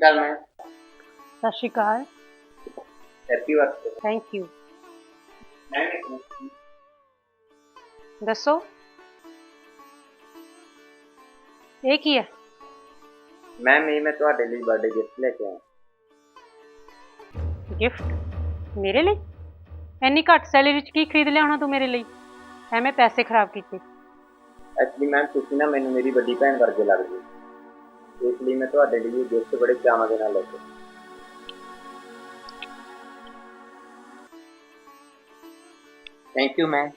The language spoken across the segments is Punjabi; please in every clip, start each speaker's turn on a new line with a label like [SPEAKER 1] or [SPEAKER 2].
[SPEAKER 1] अकाल मैम।
[SPEAKER 2] सत श्री अकाल।
[SPEAKER 1] Happy birthday
[SPEAKER 2] thank you.
[SPEAKER 1] Ma'am.
[SPEAKER 2] दसो ये की है?
[SPEAKER 1] मैम ये मैं ਤੁਹਾਡੇ ਲਈ बर्थडे गिफ्ट लेके आया।
[SPEAKER 2] गिफ्ट मेरे लिए? इन्नी घट सैलरी च की खरीद लिया होना तू मेरे लिए? एवें पैसे खराब किए।
[SPEAKER 1] एक्चुअली मैम ਤੁਸੀਂ ਨਾ ਮੈਨੂੰ ਮੇਰੀ ਵੱਡੀ ਭੈਣ ਵਰਗੇ ਲੱਗਦੇ ਹੋ, ਇਸ ਲਈ ਮੈਂ ਤੁਹਾਡੇ ਲਈ ਇਹ ਗਿਫਟ ਬੜੇ ਚਾਵਾਂ ਦੇ ਨਾਲ ਲੈ ਕੇ ਆਇਆ। Thank you ma'am.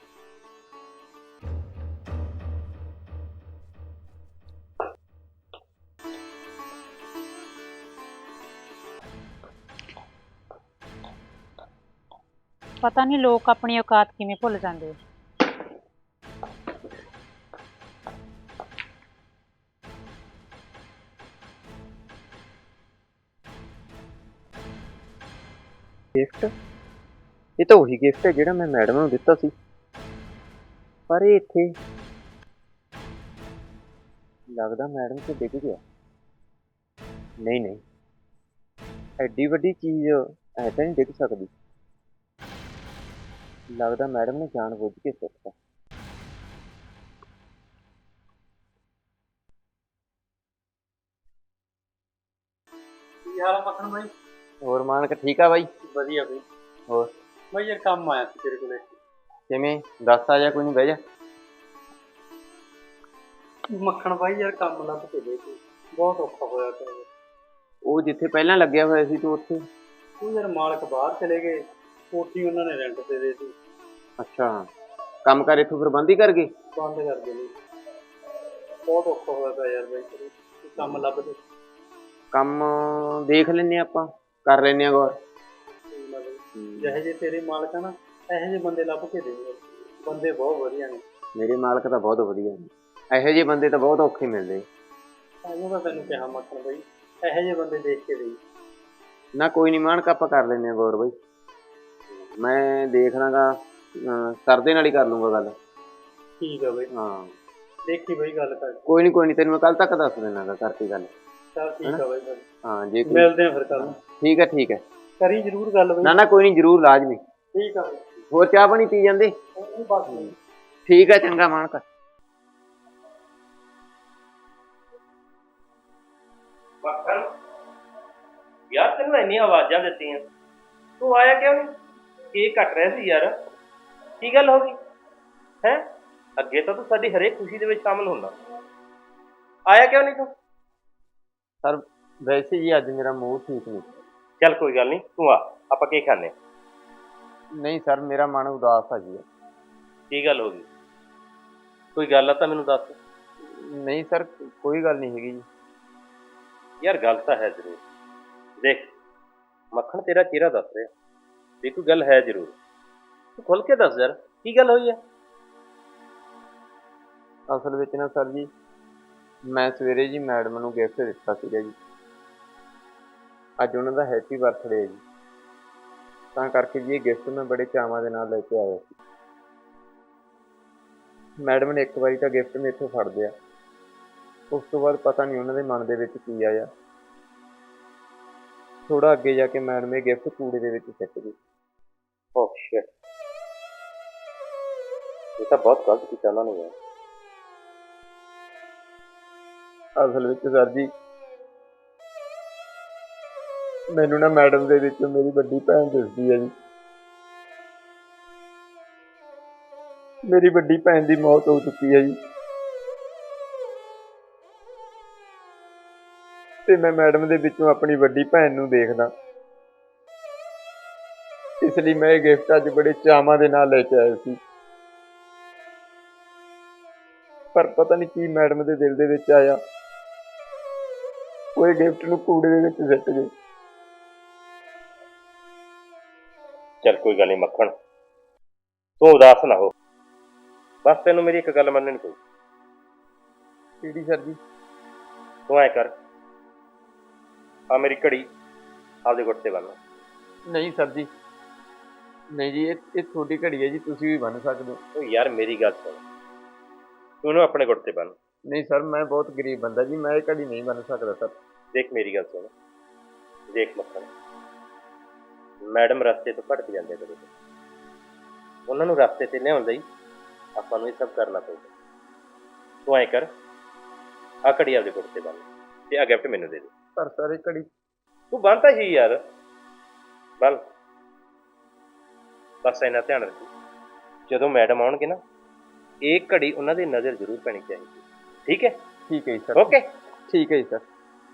[SPEAKER 2] पता नहीं लोग अपनी औकात किवें भुल जाते।
[SPEAKER 1] गिफ्ट ये तो वही गिफ्ट है ਜਿਹੜਾ मैं मैडम ਨੂੰ ਦਿੱਤਾ ਸੀ, ਪਰ ਇਹ ਇੱਥੇ ਲੱਗਦਾ मैडम ਤੋਂ ਡਿੱਗ ਗਿਆ। नहीं नहीं, ਐਡੀ ਵੱਡੀ ਚੀਜ਼ ਐ ਤਾਂ ਨਹੀਂ ਡਿੱਗ ਸਕਦੀ। ਲੱਗਦਾ मैडम ने ਜਾਣਬੁੱਝ ਕੇ ਸੁੱਟਤਾ।
[SPEAKER 3] ਕੀ ਹਾਲ ਆ ਮੱਖਣ ਬਾਈ?
[SPEAKER 1] ਹੋਰ ਮਾਨਕ ਠੀਕ ਆ ਬਾਈ?
[SPEAKER 3] ਵਧੀਆ ਬਈ।
[SPEAKER 1] ਹੋਰ
[SPEAKER 3] ਬਾਈ ਯਾਰ ਕੰਮ ਆਇਆ ਸੀ ਤੇਰੇ ਕੋਲੇ।
[SPEAKER 1] ਕਿਵੇਂ ਦੱਸ ਆ ਜਾ, ਕੋਈ ਨਹੀਂ ਬਹਿ ਜਾ।
[SPEAKER 3] ਮੱਖਣ ਬਾਈ ਯਾਰ ਕੰਮ ਲੱਭ ਕੇ ਦੇ ਤੂੰ, ਬਹੁਤ ਔਖਾ ਹੋਇਆ ਪਿਆ ਯਾਰ।
[SPEAKER 1] ਉਹ ਜਿੱਥੇ ਪਹਿਲਾਂ ਲੱਗਿਆ ਹੋਇਆ ਸੀ ਤੂੰ ਉੱਥੇ?
[SPEAKER 3] ਉਹ ਯਾਰ ਮਾਲਕ ਬਾਹਰ ਚਲੇ ਗਏ, ਕੋਠੀ ਉਹਨਾਂ ਨੇ ਰੈਂਟ ਤੇ ਦੇ ਦਿੱਤੀ।
[SPEAKER 1] ਅੱਛਾ, ਕੰਮ ਕਰ ਇੱਥੋਂ ਫਿਰ ਬੰਦ ਹੀ ਕਰ ਗਏ?
[SPEAKER 3] ਬੰਦ ਕਰ ਦੇ ਲਈ ਬਹੁਤ ਔਖਾ ਹੋਇਆ ਪਿਆ ਯਾਰ ਬਾਈ, ਤੂੰ ਕੰਮ ਲੱਭ ਦੇ।
[SPEAKER 1] ਕੰਮ ਦੇਖ ਲੈਨੇ ਆਪਾਂ, ਕਰ ਲੈਨੇ ਆ ਗੌਰ।
[SPEAKER 3] ਜਿਹੇ ਜੇ ਤੇਰੇ ਮਾਲਕ ਆ ਨਾ, ਇਹੋ ਜਿਹੇ ਬੰਦੇ ਲੱਭ ਕੇ ਦੇ। ਬੰਦੇ ਬਹੁਤ ਵਧੀਆ ਨੇ
[SPEAKER 1] ਮੇਰੇ ਮਾਲਕ ਤਾਂ ਬਹੁਤ ਵਧੀਆ ਨੇ, ਇਹੋ ਜਿਹੇ ਬੰਦੇ ਤਾਂ ਬਹੁਤ ਔਖੇ ਮਿਲਦੇ।
[SPEAKER 3] ਇਹਨੂੰ ਤਾਂ ਤੈਨੂੰ ਕਿਹਾ ਮੱਖਣ ਬਾਈ, ਇਹੋ ਜਿਹੇ ਬੰਦੇ ਦੇਖ ਕੇ ਦੇ।
[SPEAKER 1] ਨਾ ਕੋਈ ਨਹੀਂ ਮਾਨਕ, ਆਪਾਂ ਕਰ ਲੈਨੇ ਆ ਗੌਰ ਬਾਈ। ਮੈਂ ਦੇਖ ਲਾਂਗਾ, ਸਰ ਦੇ ਨਾਲ ਹੀ ਕਰ ਲੂੰਗਾ ਗੱਲ।
[SPEAKER 3] ਠੀਕ ਆ ਬਾਈ,
[SPEAKER 1] ਹਾਂ
[SPEAKER 3] ਦੇਖੀ ਬਾਈ ਗੱਲ ਕਰ।
[SPEAKER 1] ਕੋਈ ਨਹੀਂ ਤੈਨੂੰ ਮੈਂ ਕੱਲ ਤੱਕ ਦੱਸ ਦੇਣਾ ਗਾ ਕਰਕੇ ਗੱਲ।
[SPEAKER 3] ਚੱਲ ਠੀਕ ਆ ਬਾਈ,
[SPEAKER 1] ਹਾਂ ਜੇ
[SPEAKER 3] ਮਿਲਦੇ ਆ ਫਿਰ ਕੱਲ।
[SPEAKER 1] ਠੀਕ ਹੈ
[SPEAKER 3] ਕਰੀ ਜ਼ਰੂਰ ਗੱਲ ਬਾਈ।
[SPEAKER 1] ਨਾ ਕੋਈ ਨਹੀਂ, ਜ਼ਰੂਰ ਲਾਜ਼ਮੀ।
[SPEAKER 3] ਠੀਕ ਆ ਬਾਈ।
[SPEAKER 1] ਹੋਰ ਚਾਹ ਪਾਣੀ ਪੀ ਜਾਂਦੇ?
[SPEAKER 3] ਬਸ
[SPEAKER 1] ਠੀਕ ਹੈ, ਚੰਗਾ ਮਾਨਕ।
[SPEAKER 4] ਮੱਖਣ ਯਾਰ, ਤੈਨੂੰ ਇੰਨੀਆਂ ਆਵਾਜ਼ਾਂ ਦਿੱਤੀਆਂ, ਤੂੰ ਆਇਆ ਕਿਉਂ ਨਹੀਂ? ਕੇਕ ਕੱਟ ਰਿਹਾ ਸੀ ਯਾਰ, ਕੀ ਗੱਲ ਹੋ ਗਈ ਹੈ? ਅੱਗੇ ਤਾਂ ਤੂੰ ਸਾਡੀ ਹਰੇਕ ਖੁਸ਼ੀ ਦੇ ਵਿੱਚ ਸ਼ਾਮਲ ਹੁੰਦਾ, ਆਇਆ ਕਿਉਂ ਨਹੀਂ ਤੂੰ?
[SPEAKER 1] ਸਰ ਵੈਸੇ ਜੀ ਅੱਜ ਮੇਰਾ ਮੂਡ ਠੀਕ ਨਹੀਂ।
[SPEAKER 4] ਚੱਲ ਕੋਈ ਗੱਲ ਨਹੀਂ, ਤੂੰ ਆ, ਆਪਾਂ ਕੀ ਖਾਂਦੇ?
[SPEAKER 1] ਨਹੀਂ ਸਰ, ਮੇਰਾ ਮਨ ਉਦਾਸ ਆ ਜੀ।
[SPEAKER 4] ਕੀ ਗੱਲ ਹੋ ਗਈ? ਕੋਈ ਗੱਲ ਆ ਤਾਂ ਮੈਨੂੰ ਦੱਸ।
[SPEAKER 1] ਨਹੀਂ ਸਰ, ਕੋਈ ਗੱਲ ਨਹੀਂ ਹੈਗੀ ਜੀ।
[SPEAKER 4] ਯਾਰ ਗੱਲ ਤਾਂ ਹੈ ਜ਼ਰੂਰ। ਦੇਖ ਮੱਖਣ, ਤੇਰਾ ਚਿਹਰਾ ਦੱਸ ਰਿਹਾ ਵੀ ਕੋਈ ਗੱਲ ਹੈ ਜ਼ਰੂਰ। ਤੂੰ ਖੁੱਲ ਕੇ ਦੱਸ ਯਾਰ, ਕੀ ਗੱਲ ਹੋਈ ਹੈ?
[SPEAKER 1] ਅਸਲ ਵਿੱਚ ਨਾ ਸਰ ਜੀ, ਮੈਂ ਸਵੇਰੇ ਜੀ ਮੈਡਮ ਨੂੰ ਗਿਫਟ ਦਿੱਤਾ ਸੀਗਾ ਜੀ। ਅੱਜ ਉਹਨਾਂ ਦਾ ਹੈਪੀ ਬਰਥਡੇ ਹੈ ਜੀ, ਤਾਂ ਕਰਕੇ ਜੀ ਇਹ ਗਿਫਟ ਮੈਂ ਬੜੇ ਚਾਵਾਂ ਦੇ ਨਾਲ ਲੈ ਕੇ ਆਇਆ ਸੀ। ਮੈਡਮ ਨੇ ਇੱਕ ਵਾਰੀ ਤਾਂ ਗਿਫਟ ਮੇਥੋਂ ਫੜ ਲਿਆ, ਉਸ ਤੋਂ ਬਾਅਦ ਪਤਾ ਨਹੀਂ ਉਹਨਾਂ ਦੇ ਮਨ ਦੇ ਵਿੱਚ ਕੀ ਆਇਆ। ਥੋੜਾ ਅੱਗੇ ਜਾ ਕੇ ਮੈਡਮ ਇਹ ਗਿਫਟ ਕੂੜੇ ਦੇ ਵਿੱਚ ਸਿੱਟ ਗਈ।
[SPEAKER 4] ਓਹ ਸ਼ਿਟ, ਇਹ ਤਾਂ ਬਹੁਤ ਗਲਤ ਕੀਤਾ ਉਹਨਾਂ ਨੇ ਯਾਰ।
[SPEAKER 1] ਅਸਲ ਵਿੱਚ ਸਰ ਜੀ, ਮੈਨੂੰ ਨਾ ਮੈਡਮ ਦੇ ਵਿੱਚ ਮੇਰੀ ਵੱਡੀ ਭੈਣ ਦਿਸਦੀ ਹੈ ਜੀ। ਮੇਰੀ ਵੱਡੀ ਭੈਣ ਦੀ ਮੌਤ ਹੋ ਚੁੱਕੀ ਹੈ ਜੀ, ਤੇ ਮੈਂ ਮੈਡਮ ਦੇ ਵਿੱਚੋਂ ਆਪਣੀ ਵੱਡੀ ਭੈਣ ਨੂੰ ਦੇਖਦਾ, ਇਸ ਲਈ ਮੈਂ ਇਹ ਗਿਫਟ ਅੱਜ ਬੜੇ ਚਾਵਾਂ ਦੇ ਨਾਲ ਲੈ ਕੇ ਆਇਆ ਸੀ। ਪਰ ਪਤਾ ਨਹੀਂ ਕੀ ਮੈਡਮ ਦੇ ਦਿਲ ਦੇ ਵਿੱਚ ਆਇਆ, ਉਹ ਇਹ ਗਿਫਟ ਨੂੰ ਕੂੜੇ ਦੇ ਵਿੱਚ ਸਿੱਟ ਗਏ।
[SPEAKER 4] ਚੱਲ ਕੋਈ ਗੱਲ ਨਹੀਂ ਮੱਖਣ, ਤੂੰ ਉਦਾਸ ਨਾ ਹੋ। ਬਸ ਤੈਨੂੰ ਮੇਰੀ ਇੱਕ ਗੱਲ ਮੰਨਣੀ ਪਊ।
[SPEAKER 1] ਕਿਹੜੀ ਸਰ ਜੀ?
[SPEAKER 4] ਤੂੰ ਐ ਕਰ, ਆ ਮੇਰੀ ਘੜੀ ਆਪਦੇ ਗੁੱਟ ਤੇ ਬੰਨ।
[SPEAKER 1] ਨਹੀਂ ਸਰ ਜੀ, ਨਹੀਂ ਜੀ, ਇਹ ਤੁਹਾਡੀ ਘੜੀ ਹੈ ਜੀ, ਤੁਸੀਂ ਵੀ ਬੰਨ ਸਕਦੇ ਹੋ।
[SPEAKER 4] ਉਹ ਯਾਰ ਮੇਰੀ ਗੱਲ ਸੁਣ, ਤੂੰ ਇਹਨੂੰ ਆਪਣੇ ਗੁੱਟ ਤੇ ਬੰਨ।
[SPEAKER 1] ਨਹੀਂ ਸਰ, ਮੈਂ ਬਹੁਤ ਗਰੀਬ ਬੰਦਾ ਜੀ, ਮੈਂ ਇਹ ਘੜੀ ਨਹੀਂ ਬੰਨ ਸਕਦਾ ਸਰ।
[SPEAKER 4] ਦੇਖ ਮੇਰੀ ਗੱਲ ਸੁਣ, ਦੇਖ ਮੱਖਣ, ਮੈਡਮ ਰਸਤੇ ਤੋਂ ਭਟਕ ਜਾਂਦੇ ਕਦੇ, ਉਹਨਾਂ ਨੂੰ ਰਸਤੇ ਤੇ ਲਿਆਉਣ ਲਈ ਆਪਾਂ ਨੂੰ ਇਹ ਸਭ ਕਰਨਾ ਪਊਗਾ। ਤੂੰ ਐਂ ਕਰ, ਆਹ ਘੜੀ ਆਪਦੇ ਗੁੱਟ ਤੇ ਬੰਨ ਤੇ ਆਹ ਗਿਫਟ ਮੈਨੂੰ ਦੇ ਦੇ।
[SPEAKER 1] ਪਰ ਸਰ ਇਹ ਘੜੀ
[SPEAKER 4] ਤੂੰ ਬੰਨ੍ਹਤਾ ਸੀ ਯਾਰ, ਬੰਨ। ਬਸ ਇੰਨਾ ਧਿਆਨ ਰੱਖੀ, ਜਦੋਂ ਮੈਡਮ ਆਉਣਗੇ ਨਾ, ਇਹ ਘੜੀ ਉਹਨਾਂ ਦੀ ਨਜ਼ਰ ਜ਼ਰੂਰ ਪੈਣੀ ਚਾਹੀਦੀ। ਠੀਕ ਹੈ?
[SPEAKER 1] ਠੀਕ ਹੈ ਜੀ ਸਰ।
[SPEAKER 4] ਓਕੇ,
[SPEAKER 1] ਠੀਕ ਹੈ ਜੀ ਸਰ।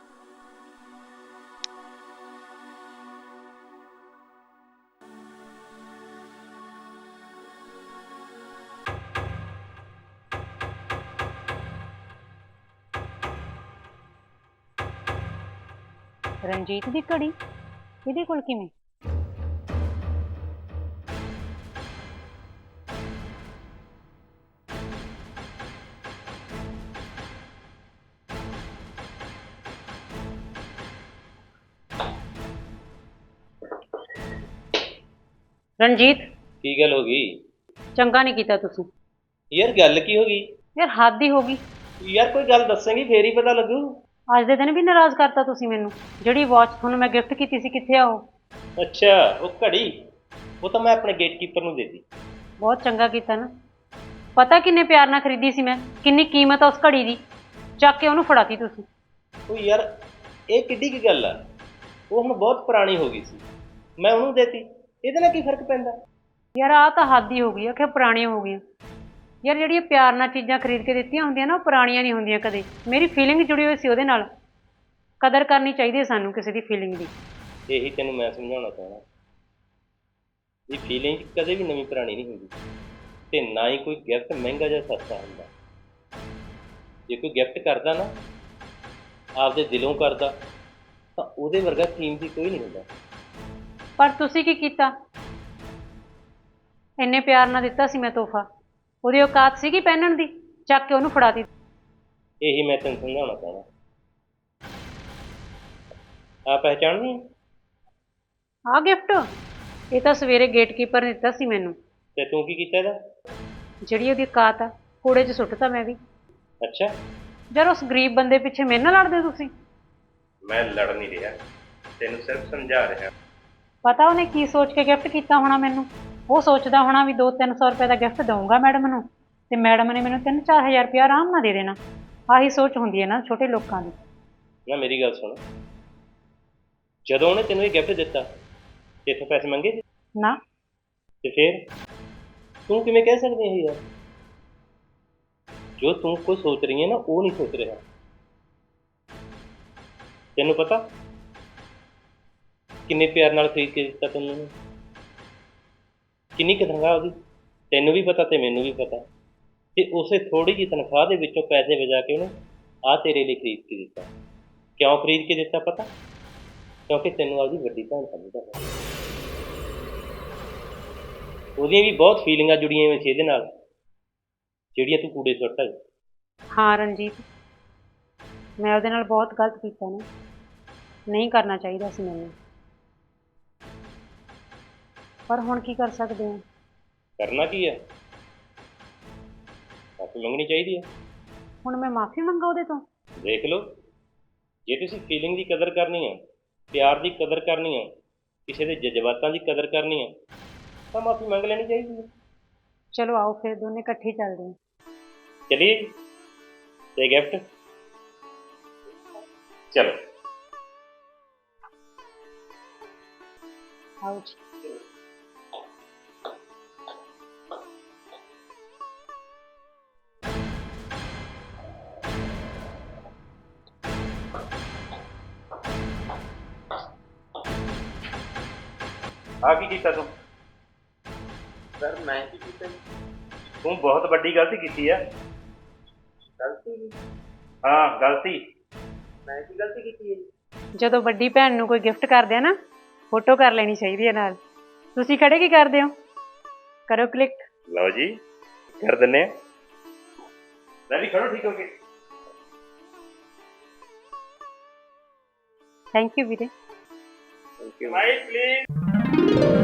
[SPEAKER 2] ਰਣਜੀਤ ਦੀ ਘੜੀ ਇਹਦੇ ਕੋਲ ਕਿਵੇਂ? ਰਣਜੀਤ,
[SPEAKER 4] ਕੀ ਗੱਲ ਹੋ ਗਈ
[SPEAKER 2] ਚੰਗਾ ਨਹੀਂ ਕੀਤਾ ਤੁਸੀਂ।
[SPEAKER 4] ਯਾਰ? ਗੱਲ ਕੀ ਹੋ ਗਈ
[SPEAKER 2] ਯਾਰ ਹੱਦ ਹੀ ਹੋ ਗਈ।
[SPEAKER 4] ਯਾਰ? ਕੋਈ ਗੱਲ ਦੱਸੇਂਗੀ ਫੇਰ ਹੀ ਪਤਾ ਲੱਗੂ।
[SPEAKER 2] ਅੱਜ ਦੇ ਦਿਨ ਵੀ ਨਾਰਾਜ਼ ਕਰਤਾ ਤੁਸੀਂ ਮੈਨੂੰ। ਜਿਹੜੀ ਵਾਚ ਤੁਹਾਨੂੰ ਮੈਂ ਗਿਫਟ ਕੀਤੀ ਸੀ, ਕਿੱਥੇ ਆ ਉਹ?
[SPEAKER 4] ਅੱਛਾ, ਉਹ ਘੜੀ, ਉਹ ਤਾਂ ਮੈਂ ਆਪਣੇ ਗੇਟਕੀਪਰ ਨੂੰ ਦੇ ਦਿੱਤੀ।
[SPEAKER 2] ਬਹੁਤ ਚੰਗਾ ਕੀਤਾ ਨਾ। ਪਤਾ ਕਿੰਨੇ ਪਿਆਰ ਨਾਲ ਖਰੀਦੀ ਸੀ ਮੈਂ, ਕਿੰਨੀ ਕੀਮਤ ਆ ਉਸ ਘੜੀ ਦੀ, ਚੱਕ ਕੇ ਉਹਨੂੰ ਫੜਾਤੀ ਤੁਸੀਂ।
[SPEAKER 4] ਉਹ ਯਾਰ ਇਹ ਕਿੱਡੀ ਕੀ ਗੱਲ ਆ? ਉਹ ਹੁਣ ਬਹੁਤ ਪੁਰਾਣੀ ਹੋ ਗਈ ਸੀ, ਮੈਂ ਉਹਨੂੰ ਦੇਤੀ, ਇਹਦੇ ਨਾਲ ਕੀ ਫਰਕ ਪੈਂਦਾ?
[SPEAKER 2] ਯਾਰ ਆਹ ਤਾਂ ਹੱਦ ਹੀ ਹੋ ਗਈ ਆ ਕਿ ਪੁਰਾਣੀਆਂ ਹੋ ਗਈਆਂ। ਯਾਰ ਜਿਹੜੀਆਂ ਪਿਆਰ ਨਾਲ ਚੀਜ਼ਾਂ ਖਰੀਦ ਕੇ ਦਿੱਤੀਆਂ ਹੁੰਦੀਆਂ ਨਾ, ਉਹ ਪੁਰਾਣੀਆਂ ਨਹੀਂ ਹੁੰਦੀਆਂ ਕਦੇ। ਮੇਰੀ ਫੀਲਿੰਗ ਜੁੜੀ ਹੋਈ ਸੀ ਉਹਦੇ ਨਾਲ। ਕਦਰ ਕਰਨੀ ਚਾਹੀਦੀ ਹੈ ਸਾਨੂੰ ਕਿਸੇ ਦੀ ਫੀਲਿੰਗ ਦੀ।
[SPEAKER 4] ਇਹੀ ਤੈਨੂੰ ਮੈਂ ਸਮਝਾਉਣਾ ਚਾਹੁੰਦਾ, ਇਹ ਫੀਲਿੰਗ ਕਦੇ ਵੀ ਨਵੀਂ ਪੁਰਾਣੀ ਨਹੀਂ ਹੁੰਦੀ, ਤੇ ਨਾ ਹੀ ਕੋਈ ਗਿਫਟ ਮਹਿੰਗਾ ਜਾਂ ਸਸਤਾ ਹੁੰਦਾ। ਜੇ ਕੋਈ ਗਿਫਟ ਕਰਦਾ ਨਾ ਆਪਦੇ ਦਿਲੋਂ ਕਰਦਾ, ਤਾਂ ਉਹਦੇ ਵਰਗਾ ਕੀਮਤੀ ਕੋਈ ਨਹੀਂ ਹੁੰਦਾ।
[SPEAKER 2] ਪਰ ਤੁਸੀਂ ਕੀ ਕੀਤਾ? ਇੰਨੇ ਪਿਆਰ ਨਾਲ ਦਿੱਤਾ ਸੀ ਮੈਂ ਤੋਹਫਾ, ਉਹਦੀ ਔਕਾਤ ਸੀਗੀ ਪਹਿਨਣ ਦੀ, ਚੱਕ ਕੇ ਉਹਨੂੰ ਫੜਾਤੀ।
[SPEAKER 4] ਇਹੀ ਮੈਂ ਤੈਨੂੰ ਸਮਝਾਉਣਾ ਚਾਹੁੰਦਾ। ਆ ਪਹਿਚਾਣਦੀ?
[SPEAKER 2] ਆਹ ਗਿਫਟ ਇਹ ਤਾਂ ਸਵੇਰੇ ਗੇਟਕੀਪਰ ਨੇ ਦਿੱਤਾ ਸੀ ਮੈਨੂੰ।
[SPEAKER 4] ਤੇ ਤੂੰ ਕੀ ਕੀਤਾ ਇਹਦਾ?
[SPEAKER 2] ਜਿਹੜੀ ਉਹਦੀ ਔਕਾਤ ਆ, ਕੂੜੇ 'ਚ ਸੁੱਟਤਾ ਮੈਂ ਵੀ।
[SPEAKER 4] ਅੱਛਾ,
[SPEAKER 2] ਯਾਰ ਉਸ ਗਰੀਬ ਬੰਦੇ ਪਿੱਛੇ ਮੇਰੇ ਨਾਲ ਲੜਦੇ ਤੁਸੀਂ?
[SPEAKER 4] ਮੈਂ ਲੜ ਨਹੀਂ ਰਿਹਾ, ਤੈਨੂੰ ਸਿਰਫ ਸਮਝਾ ਰਿਹਾ।
[SPEAKER 2] ਪਤਾ ਉਹਨੇ ਕੀ ਸੋਚ ਕੇ ਗਿਫਟ ਕੀਤਾ ਹੋਣਾ ਮੈਨੂੰ। ਉਹ ਸੋਚਦਾ ਹੋਣਾ ਵੀ 200-300 ਰੁਪਏ ਦਾ ਗਿਫਟ ਦਊਂਗਾ ਮੈਡਮ ਨੂੰ, ਤੇ ਮੈਡਮ ਨੇ ਮੈਨੂੰ 3-4 ਹਜ਼ਾਰ ਰੁਪਇਆ ਆਰਾਮ ਨਾਲ ਦੇ ਦੇਣਾ। ਆਹੀ ਸੋਚ ਹੁੰਦੀ ਹੈ ਨਾ ਛੋਟੇ ਲੋਕਾਂ ਦੀ।
[SPEAKER 4] ਨਾ ਮੇਰੀ ਗੱਲ ਸੁਣ, ਜਦੋਂ ਉਹਨੇ ਤੈਨੂੰ ਇਹ ਗਿਫਟ ਦਿੱਤਾ ਤੇ ਇੱਥੋਂ ਪੈਸੇ ਮੰਗੇ ਸੀ?
[SPEAKER 2] ਨਾ।
[SPEAKER 4] ਤੇ ਫਿਰ ਤੂੰ ਕਿਵੇਂ ਕਹਿ ਸਕਦੀ ਹੈ ਯਾਰ? ਜੋ ਤੂੰ ਕੋਈ ਸੋਚ ਰਹੀ ਹੈ ਨਾ, ਉਹ ਨਹੀਂ ਸੋਚ ਰਿਹਾ। ਤੈਨੂੰ ਪਤਾ ਕਿੰਨੇ ਪਿਆਰ ਨਾਲ ਖਰੀਦ ਕੇ ਦਿੱਤਾ ਤੈਨੂੰ, ਕਿੰਨੀ ਕੁ ਤਨਖਾਹ ਉਹਦੀ, ਤੈਨੂੰ ਵੀ ਪਤਾ ਤੇ ਮੈਨੂੰ ਵੀ ਪਤਾ। ਤੇ ਉਸੇ ਥੋੜੀ ਜਿਹੀ ਤਨਖਾਹ ਦੇ ਵਿੱਚੋਂ ਪੈਸੇ ਬਚਾ ਕੇ ਉਹਨੇ ਆਹ ਤੇਰੇ ਲਈ ਖਰੀਦ ਕੇ ਦਿੱਤਾ। ਕਿਉਂ ਖਰੀਦ ਕੇ ਦਿੱਤਾ ਪਤਾ? ਕਿਉਂਕਿ ਤੈਨੂੰ ਆਪਦੀ ਵੱਡੀ ਭੈਣ ਸਮਝਦਾ ਹੈ। ਉਹਦੀਆਂ ਵੀ ਬਹੁਤ ਫੀਲਿੰਗਾਂ ਜੁੜੀਆਂ ਹੋਈਆਂ ਸੀ ਇਹਦੇ ਨਾਲ, ਜਿਹੜੀਆਂ ਤੂੰ ਕੂੜੇ ਸੁੱਟ ਆਈ।
[SPEAKER 2] ਹਾਂ ਰਣਜੀਤ, ਮੈਂ ਉਹਦੇ ਨਾਲ ਬਹੁਤ ਗਲਤ ਕੀਤਾ ਨਾ, ਨਹੀਂ ਕਰਨਾ ਚਾਹੀਦਾ ਸੀ ਮੈਨੂੰ। ਪਰ ਹੁਣ ਕੀ ਕਰ ਸਕਦੇ ਹਾਂ?
[SPEAKER 4] ਕਰਨਾ ਕੀ ਹੈ? ਮਾਫ਼ੀ ਮੰਗਣੀ ਚਾਹੀਦੀ ਹੈ।
[SPEAKER 2] ਹੁਣ ਮੈਂ ਮਾਫੀ ਮੰਗਾ ਉਹਦੇ ਤੋਂ?
[SPEAKER 4] ਦੇਖ ਲਓ, ਜੇ ਤੁਸੀਂ ਫੀਲਿੰਗ ਦੀ ਕਦਰ ਕਰਨੀ ਹੈ, ਪਿਆਰ ਦੀ ਕਦਰ ਕਰਨੀ ਹੈ, ਕਿਸੇ ਦੇ ਜਜ਼ਬਾਤਾਂ ਦੀ ਕਦਰ ਕਰਨੀ ਹੈ, ਤਾਂ ਮਾਫੀ ਮੰਗ ਲੈਣੀ ਚਾਹੀਦੀ ਹੈ।
[SPEAKER 2] ਚਲੋ ਆਓ ਫਿਰ ਦੋਨੇ ਇਕੱਠੇ ਹੀ ਚੱਲਦੇ ਹਾਂ।
[SPEAKER 4] ਚਲਿਏ ਤੇ ਗਿਫਟ, ਚਲੋ
[SPEAKER 2] ਆਓ ਜੀ।
[SPEAKER 4] ਆ ਕੀ ਕੀਤਾ ਤੂੰ?
[SPEAKER 1] ਸਰ ਮੈਂ ਕੀ ਕੀਤਾ ਜੀ?
[SPEAKER 4] ਤੂੰ ਬਹੁਤ ਵੱਡੀ ਗਲਤੀ ਕੀਤੀ ਹੈ।
[SPEAKER 1] ਗਲਤੀ ਜੀ?
[SPEAKER 4] ਹਾਂ ਗਲਤੀ।
[SPEAKER 1] ਮੈਂ ਕੀ ਗਲਤੀ ਕੀਤੀ ਹੈ ਜੀ?
[SPEAKER 2] ਜਦੋਂ ਵੱਡੀ ਭੈਣ ਨੂੰ ਕੋਈ ਗਿਫਟ ਕਰਦੇ ਆ ਨਾ, ਫੋਟੋ ਕਰ ਲੈਣੀ ਚਾਹੀਦੀ ਹੈ ਨਾਲ। ਤੁਸੀਂ ਖੜੇ ਕੀ ਕਰਦੇ ਹੋ? ਕਰੋ ਕਲਿੱਕ।
[SPEAKER 4] ਲਓ ਜੀ, ਕਰ ਦਿੰਨੇ ਆ। ਮੈਂ ਵੀ ਖੜੋ ਠੀਕ ਹੋ ਕੇ।
[SPEAKER 2] ਥੈਂਕ ਯੂ ਵੀਰੇ।
[SPEAKER 1] Thank you.
[SPEAKER 4] Smile please.